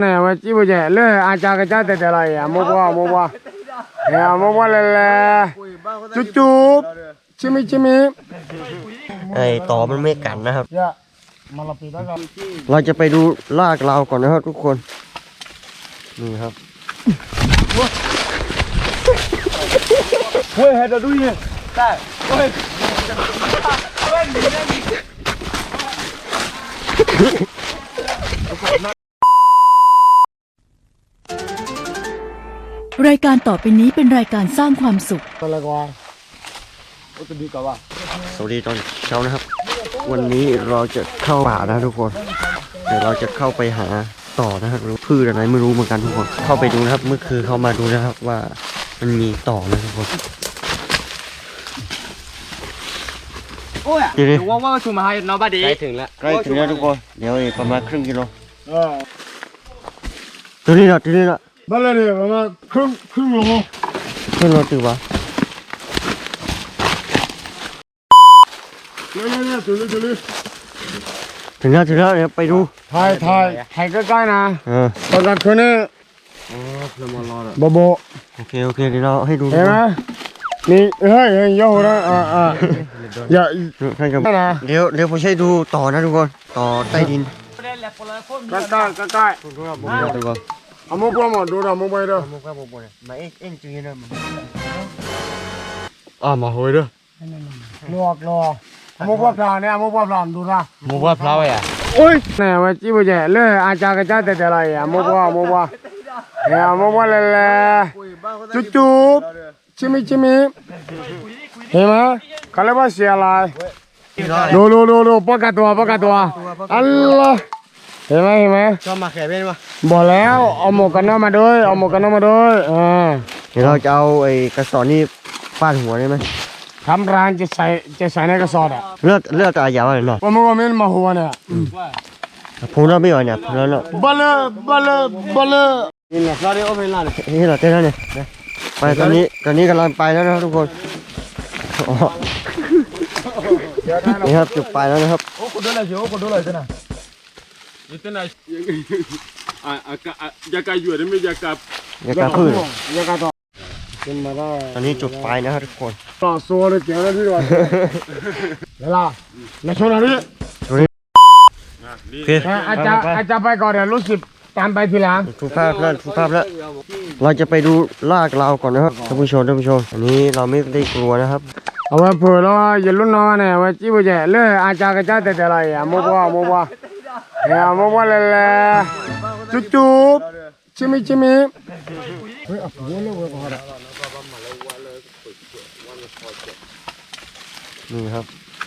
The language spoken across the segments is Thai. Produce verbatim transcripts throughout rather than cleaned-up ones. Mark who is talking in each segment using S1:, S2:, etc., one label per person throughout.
S1: này mà chỉ bây giờ lỡ ai cha cái cha để lại à mua qua mua qua à mua qua là là chút chút chim mi chim mi
S2: ไอ้ต่อมันไม่กัดนะครับ
S1: dạ mà là bị đó rồi
S2: เราจะไปดูลากเราก่อนนะครับทุกคนนี่ครับ
S1: เฮ้ยเฮ็ดดูนี่ได้เฮ้ย
S3: รายการต่อไปนี้เป็นรายการสร้างความสุข
S1: อะไรก่อนโอ้ตัวดีกว่า
S2: สวัสดีตอนเช้านะครับ วันนี้เราจะเข้าป่านะทุกคนเดี๋ยวเราจะเข้าไปหาต่อนะครับรู้พืชอะไรไม่รู้เหมือนกันทุกคนเข้าไปดูนะครับเมื่อคืนเข้ามาดูนะครับว่ามันมีต่อนะทุกคน
S4: โอ้ยเดี๋ยวว่าว่าชูมาให้น้องบ้าดี
S2: ใกล้ถึงแล้วใกล้ถึงแล้วทุกคนเดี๋ยวอีกประมาณครึ่งกิโล
S1: เออ
S2: ตัวนี้ละตัวนี้ละ
S1: บ้านเลยประมาณครึ่งครึ่งโล
S2: ขึ้นรถตือวะ
S1: เนี่ยเนี่ยตัวนี้ตัวนี้
S2: ถึงแล้วถึงแล้วเดี๋ยวไปดู
S1: ถ่ายถ่ายถ่ายใกล้ๆนะ
S2: เออ
S1: ตอนกลางคืนนี่โบโบ
S2: โอเคโอเคเดี๋ยวเราให้ดู
S1: เห็นไหมนี่เฮ้ยเฮ้ยโย่นะอ่าอ่าอย่า
S2: ใช่ครับ
S1: นะ
S2: เดี๋ยวเดี๋ยวผมใช้ดูต่อนะทุกคนต่อใต้ดิน
S1: ใกล้ใกล้ใกล้ใกล้
S2: ทุกคน
S1: เอามุกว่าหมดดูเรามุกไปเด้อ
S2: มุกครับผมเนี่ยมาเอ็งเอ็งจีนะมัน
S1: อ่ามาหอยเด้อลวกลวกเอามุกว่าพลาเนี่ยเอามุกว่าพลาดูนะ
S4: มูว่าเพลาอ่ะ
S1: โอ้ยเนี่ยว่าจีบเจเล่อาจารย์ก็จะแต่แต่ไรอ่ะมุกว่ามุกว่าเนี่ยมุกว่าเลยเลยจุ๊บจุ๊บชิมิชิมิเห็นไหมเขาเรียกว่าเสียอะไรดูดูดูดูปากตัวปากตัวอัลลอฮ์เห็นไหมเห็นไหม
S2: ชอบมาแข่เป็นปะ
S1: บอกแล้วเอาหมวกกันน็อกมาด้วยเอาหมวกกันน็อกมาด้วยอ่า
S2: เดี๋ยวเราจะเอาไอ้กระสอบนี่ฟาดหัวได้ไหม
S1: ทำร้านจะใส่จะใส่ในกระสอบอ่ะ
S2: เลือดเลือดตายาวเลยเนาะ
S1: ว่ามึงว่ามันมาหัวเนี่ย
S2: ผมเราไม่ไหวเนี่ยผมเราเนาะ
S1: บลบลบลนี่แหละเราได้เอาไปร้าน
S2: นี่เราเต้นแล้วเนี่ยไปตอนนี้ตอนนี้กำลังไปแล้วนะครับทุกคนนี่ครับจุดไปแล้วนะครับ
S4: โอ้คนดูเลยโอ้คนดูเลยจ้ะนะ
S5: นี่เป็นอะไรอ่าอ่าอยากาอยู่ได้ไหมอยากา
S2: อย่ากระพืช
S1: ยากาต่อขึ้นมาได้
S2: ตอนนี้จุดไฟนะครับทุกคน
S1: ต่อโซ่เลยเจ๋งเลยที่ว่าเวลาแล้วชนอะไร
S2: โอเค
S1: อาจารย์อาจารย์ไปก่อนเดี๋ยวรู้สึกตามไปทีหลัง
S2: ถูกภาพแล้วถูกภาพแล้วเราจะไปดูลากเราก่อนนะครับท่านผู้ชมท่านผู้ชมอันนี้เราไม่ได้กลัวนะครับ
S1: เอาไว้เผื่อแล้วอย่าลุ้นน้อยเนี่ยไว้จีบเจเล่อาจารย์ก็จะแต่แต่ไรอ่ะมุกว่ามุกว่าเนี่ยมุกว่าเลยเลยจุ๊บจุ๊บชิมิชิมิเฮ้ยเอาหัวเลยเว้ยพอละ
S2: นี่ครับ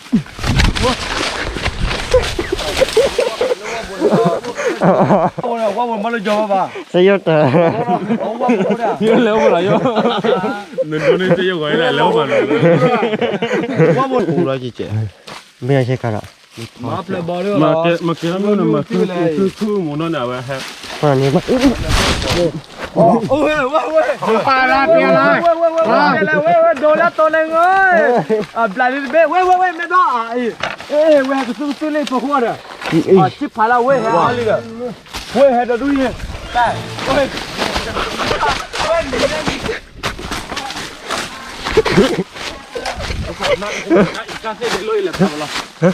S4: โอ้ยว่ามันมาเลยจบป่ะ
S2: เสียเตอร์
S4: โอ้ว่าโอ้เนี่ย
S5: เยอะแล้วบ่ล่ะโยนั่นตัวนี้จะยังไงได้แล้วบ่ล่ะ
S4: ว่ามัน
S2: ปูร้อยจีเจไม่ใช่กันอ่ะ
S4: มาเพลย์บอลเลย
S5: มาเกมาเกมันน่ะมาคือคือคือหมูนั่นน่ะว่าฮะ
S2: ตอนนี้มา
S4: โอ้ยว่าเว้ย
S1: ปลาลาเปียเลย
S4: เว้ยเว้ยเว้ยเว้ยเว้ยโดนแล้วตัวนึงเอ้ยอ่ะปลาดิเบ้เว้ยเว้ยเว้ยไม่ต้องอ่ะเอ้ยเอ้ยเว้ยก็ซื้อซื้อเลยตัวหัวเนี่ยอ่ะชิบหายแล้วเว้ยฮะอะไรกันเว้ยเฮ็ดดูนี่ได้เว้ยเว้ยนี่นี่
S5: กาเซ่ได้เลยแหละครับล่ะ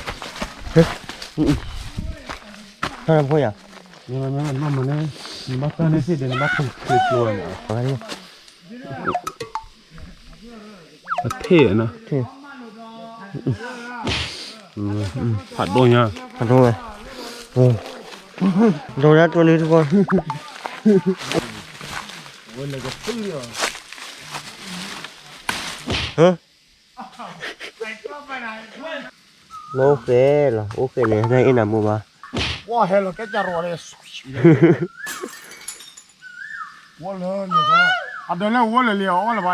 S2: ท่านผู้ใหญ่
S1: นี่มันมันมันมันเนี่ยมันบ้าเนี่ยสิเดี๋ยวมันบ้าคือคือตัวเนี่ย
S2: อะไรนี่
S5: เท่นะ
S2: เท่
S5: อืมผัดโดนยัง
S2: มาดูเลยโอ้ดูแล้วตัวนี้ทุกคนฮะโอเคเหรอโอเคเลยได้อินามูมา
S1: ว่าเห็นแล้วก็จะรอเลยว่าเลยเนี่ยก็อ่ะเดี๋ยวแล้วว่าเลยเลี้ยวว่าเลยไป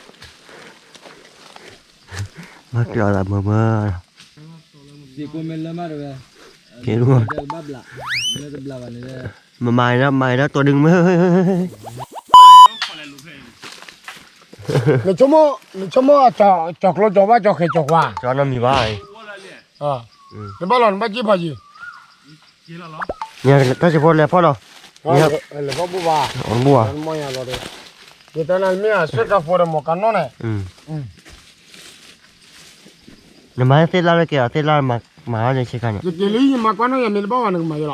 S2: มาเกี่ยวกับมือมือ
S4: สิกูเมลละมาด้วย
S2: เกี่ยวกับ
S4: เดี๋ยวบ้าบละเดี๋ยวจะบลาวันนี้เลย
S2: มาใหม่แล้วใหม่แล้วตัวดึงมือ
S1: 你怎么你怎么找找了找吧找黑找哇？
S2: จอน้ำมีบ้า
S1: 啊，你把老你把几把几？
S2: เนี่ยถ้าจะพูดแล้วพ่อเรานี่ครับ
S1: le va buba
S2: อ๋อบัว
S1: mo ya lo de de tan al mia sota fuera mo canone
S2: อืมเดี๋ยวมาเสร็จแล้วเลยเกี่ยวเสร็จแล้วมามาเลยใช่กันเนี่ย
S1: de li ma quando ya me ba wa ma yo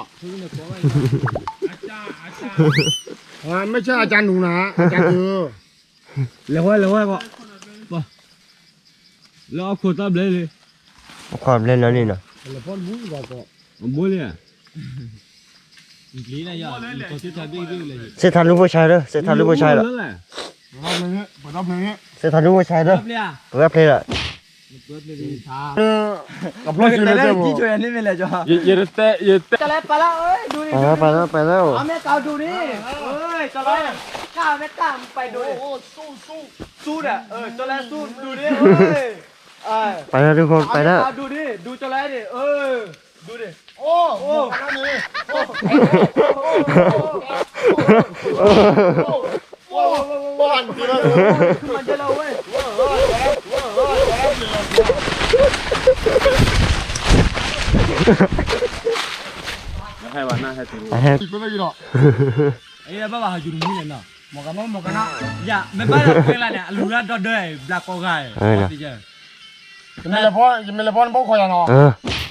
S1: ah me cha ajan nu na ajan tu
S4: เลยว่าเลยว่าก็ป่ะแล้วเอาขวดตับเลยเลย
S2: ความเล่นแล้วนี่เนาะ
S1: le pon bu ba ko
S4: ผมบอกเลยอ่ะลีน่ะยาตัวที่ทำดีดีเลย
S2: เสร็จทันลูกผู้ชายเด้อเสร็จทันลูกผู้ชายเหรอ
S1: ba ne ba da ne
S2: เสร็จทันลูกผู้ชายเด้อ
S4: เลยอ่ะ
S2: เปิดเพลงอ่ะ
S4: เปิดเลยช้า
S1: ka plo si le te bo
S4: ช่วยอันนี้ไม่เลยจ้ะ
S5: Ye ye te ye te
S4: จะแล้วไปแล้วเอ้ยดูดิ
S2: ไปแล้วไปแล้วไปแล้ว
S4: เอาแม่เกาดูนี่เอ้ยจะแล้วกล้าแม่กล้าไปดูดิสู้สู้สู้อ่ะเออจะแล้วสู้ดูดิเอ้ยเอ้ย
S2: ไปแล้วทุกคนไปแล้ว
S4: ดูดิดูจะแล้วดิเออดูดิ
S1: โอ้โอ้กันนี่โอ้โอ้บ้านที่นั่น
S4: ขึ้นมาเจอเราเว้ย
S5: hai wa na hai tu
S2: ไปแล้ว
S1: ที่ก็ได้กี่ดอก
S4: ไอ้เนี่ยบ้าบ้าอยู่ตรงนี้เลยเนาะ
S1: หมอกันเนาะหมอกันนะ
S4: อย่าไม่บ้าเราเป็นอะไรเนี่ยลูกเราดอดด้วยบลักโกไก่
S2: เออนะ
S4: ที่เจอ
S1: จะไม่ละพอจะไม่ละพอบ่คอยเนาะ
S2: เออ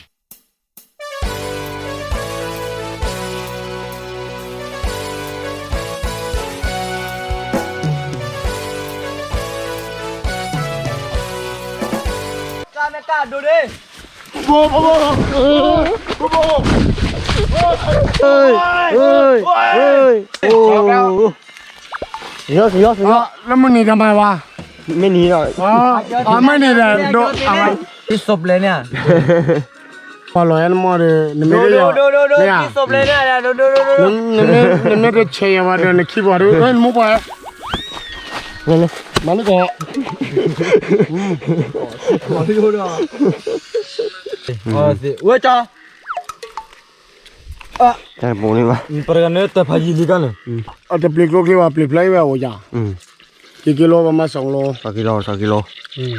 S4: กล้าแม่กล้าดูดิ
S1: โอ้โหโอ้โห
S2: เฮ้ยเฮ้ยเฮ้ยโอ้เยอะสุดยอดสุดยอด
S1: แล้วมึงหนีทำไมวะ
S2: ไม่หนีหรอก
S1: อ๋ออ๋อไม่หนีแต่โดนอะไร
S4: ที่ศพเลยเนี่ย
S1: พอลอยมอเลยนี่ไม่
S4: ดู
S1: ได้
S4: ดูดูดูดู
S1: เนี่ย
S4: ที่ศพเลยเนี่ยดูดูดูดู
S1: นี่นี่นี่นี่ได้เชียร์มาเดินขี้บอลด้วยเฮ้ยมุกไป
S2: เนี่ยเนี่ย
S1: มันก็
S4: มาดูดูอ๋อสิเว้ยจ้า
S2: ใช่ปูนี่วะ
S4: pergi nih teh haji di kan
S1: เอาแต่ปลีกโลกที่ว่าปลีกไล่ไว้โอ้ยา
S2: อืม
S1: กี่กิโลประมาณสองโล
S2: สองกิโลสองกิโล
S1: อืม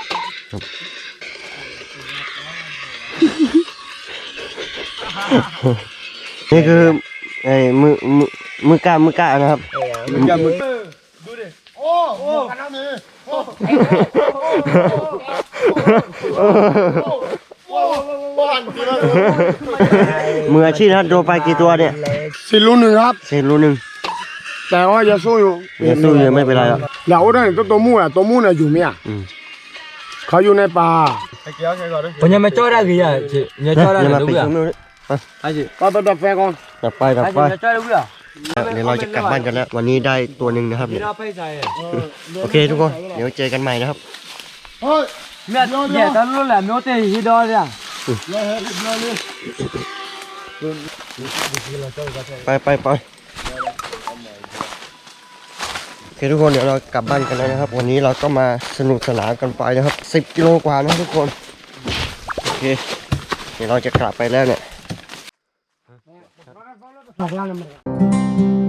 S2: นี่คือไอ้มือมือมือกล้ามือกล้านะครับ
S1: โอ้โอ้กันนั่นนี่โอ้โอ้บ้านที่นั่น
S2: มืออาชีพนะครับโดนไปกี่ตัวเนี่ย
S1: สิลูกหนึ่งครับ
S2: เศษรูนึง
S1: แต่ว่าอย่าสู้อยู่
S2: อย่าสู้เลยไม่เป็นไรหรอก
S1: เดี๋ยวได้ตัวตัวมูอ่ะตัวมูน่ะอยู่มั้ย
S2: อืม
S1: เขาอยู่ในป่า
S4: punya macam ada gaya cik punya
S2: เดี๋
S4: macam
S2: ยว
S4: ada
S2: มา
S4: dulu
S2: ปิด
S4: ya
S2: ตรงนู้น
S4: haji
S1: ก็ไปดับไฟก่อน
S2: ดับไปดับ
S4: haji
S2: ไป
S4: punya macam ada dulu ya
S2: เดี๋ยวเราจะกลับบ้านกันแล้ว วันนี้ได้ตัวหนึ่งนะครับ
S4: Kira apa saya
S2: โอเคทุกคน เดี๋ยวเจอกันใหม่นะครับ
S1: เฮ้ย
S4: Mẹ nhẹ ta luôn là miếu tê hi đó đi à
S2: ไปไปไปโอเคทุกคนเดี๋ยวเรากลับบ้านกันแล้วนะครับ วันนี้เราก็มาสนุกสนานกันไปนะครับสิบกิโลกว่านะทุกคน โอเค เดี๋ยวเราจะกลับไปแล้วเนี่ย
S1: บอกว่าอะไร